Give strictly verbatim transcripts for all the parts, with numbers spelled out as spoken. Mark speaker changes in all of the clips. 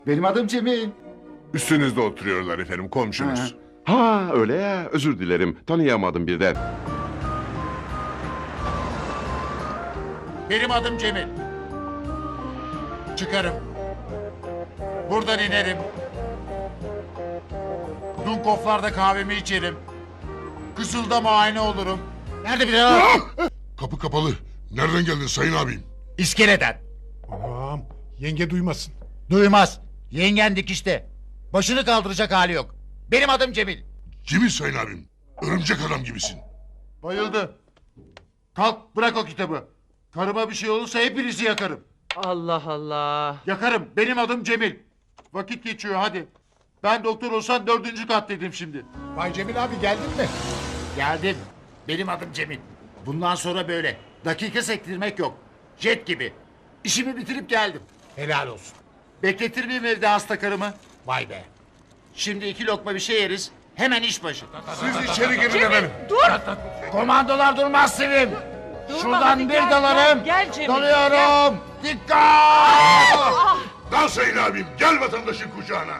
Speaker 1: Benim adım Cemil.
Speaker 2: Üstünüzde oturuyorlar efendim, komşunuz.
Speaker 3: Ha öyle ya, özür dilerim, tanıyamadım birden.
Speaker 4: Benim adım Cemil. Çıkarım. Buradan inerim. Dunkoflarda kahvemi içerim. Kızılda muayene olurum. Nerede bir daha?
Speaker 5: Kapı kapalı. Nereden geldin sayın abim?
Speaker 4: İskeleden.
Speaker 6: Anam, yenge duymasın.
Speaker 4: Duymaz. Yengen dikişte. Başını kaldıracak hali yok. Benim adım Cemil.
Speaker 5: Cemil sayın abim. Örümcek adam gibisin.
Speaker 4: Bayıldı. Kalk bırak o kitabı. Karıma bir şey olursa hepinizi yakarım.
Speaker 7: Allah Allah.
Speaker 4: Yakarım. Benim adım Cemil. Vakit geçiyor hadi. Ben doktor olsam dördüncü kattaydım şimdi.
Speaker 6: Bay Cemil abi geldin mi?
Speaker 4: Geldim. Benim adım Cemil. Bundan sonra böyle. Dakika sektirmek yok. Jet gibi. İşimi bitirip geldim.
Speaker 6: Helal olsun.
Speaker 4: Bekletir miyim evde hasta karımı?
Speaker 6: Vay be.
Speaker 4: Şimdi iki lokma bir şey yeriz. Hemen iş başı.
Speaker 5: Siz içeri girin efendim.
Speaker 4: Komandolar durmaz Sevim.
Speaker 7: Durma,
Speaker 4: Şuradan
Speaker 7: hadi
Speaker 4: bir
Speaker 7: gel,
Speaker 4: dalarım.
Speaker 7: gel, gel Cemil,
Speaker 4: Dalıyorum. Dikkat!
Speaker 5: Dal sayın abim. Gel vatandaşın kucağına.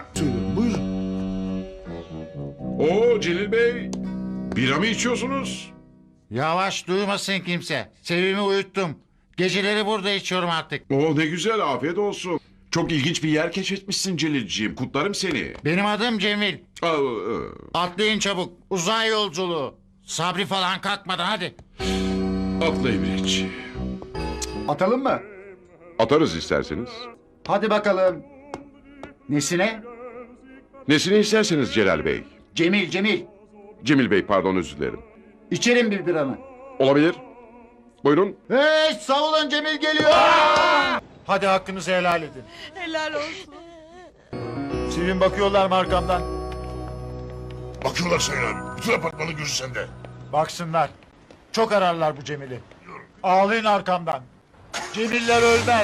Speaker 3: Oo Celil Bey, bira mı içiyorsunuz?
Speaker 4: Yavaş duymasın kimse. Sevim'i uyuttum. Geceleri burada içiyorum artık.
Speaker 3: Oo ne güzel, afiyet olsun. Çok ilginç bir yer keşfetmişsin Celilciğim, kutlarım seni.
Speaker 4: Benim adım Cemil.
Speaker 3: Aa, aa.
Speaker 4: Atlayın çabuk. Uzay yolculuğu. Sabri falan kalkmadan hadi.
Speaker 3: Atla İbrikçi.
Speaker 1: Atalım mı?
Speaker 3: Atarız isterseniz.
Speaker 1: Hadi bakalım. Nesine?
Speaker 3: Nesini isterseniz Celal Bey.
Speaker 1: Cemil, Cemil.
Speaker 3: Cemil Bey, pardon, özür dilerim.
Speaker 1: İçerim bir biranı.
Speaker 3: Olabilir. Buyurun.
Speaker 1: Hey savulun Cemil geliyor.
Speaker 4: Hadi hakkınızı helal edin.
Speaker 7: Helal olsun.
Speaker 4: Sevim bakıyorlar mı arkamdan?
Speaker 5: Bakıyorlar sayın abim. Bütün apartmanın gözü sende.
Speaker 4: Baksınlar. Çok ararlar bu Cemil'i. Ağlayın arkamdan. Cemiller ölmez.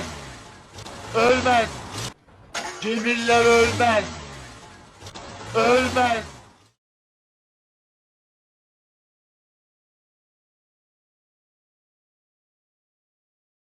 Speaker 4: Ölmez. Cemiller ölmez. Ölmez.